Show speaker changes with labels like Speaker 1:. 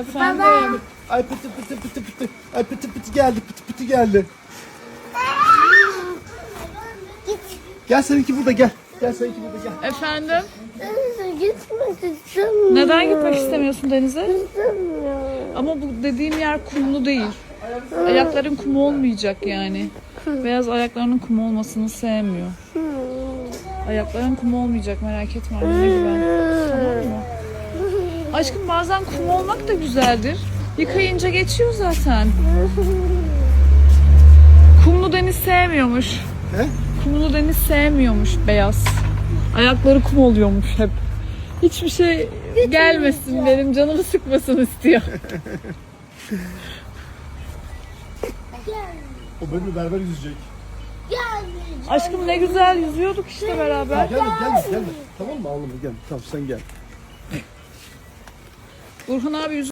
Speaker 1: Efendim.
Speaker 2: Ay pıtı pıtı pıtı pıtı. Ay pıtı pıtı geldi, pıtı pıtı geldi. Gel seninki burada gel. Gel seninki burada gel.
Speaker 1: Efendim.
Speaker 3: Gitmek istemiyorum.
Speaker 1: Neden gitmek istemiyorsun denize?
Speaker 3: İstemiyorum.
Speaker 1: Ama bu dediğim yer kumlu değil. Ayakların kum olmayacak yani. Beyaz ayaklarının kum olmasını sevmiyor. Ayakların kum olmayacak, merak etme annene güven. Tamam mı? Aşkım bazen kum olmak da güzeldir. Yıkayınca geçiyor zaten. Kumlu deniz sevmiyormuş.
Speaker 2: He?
Speaker 1: Kumlu deniz sevmiyormuş beyaz. Ayakları kum oluyormuş hep. Hiçbir şey gelmesin, benim canımı sıkmasın istiyor.
Speaker 2: O benimle beraber yüzecek.
Speaker 1: Aşkım ne güzel yüzüyorduk işte beraber.
Speaker 2: Gelme. Tamam mı? Ağlama gel. Tamam sen gel.
Speaker 1: Burhan abi yüz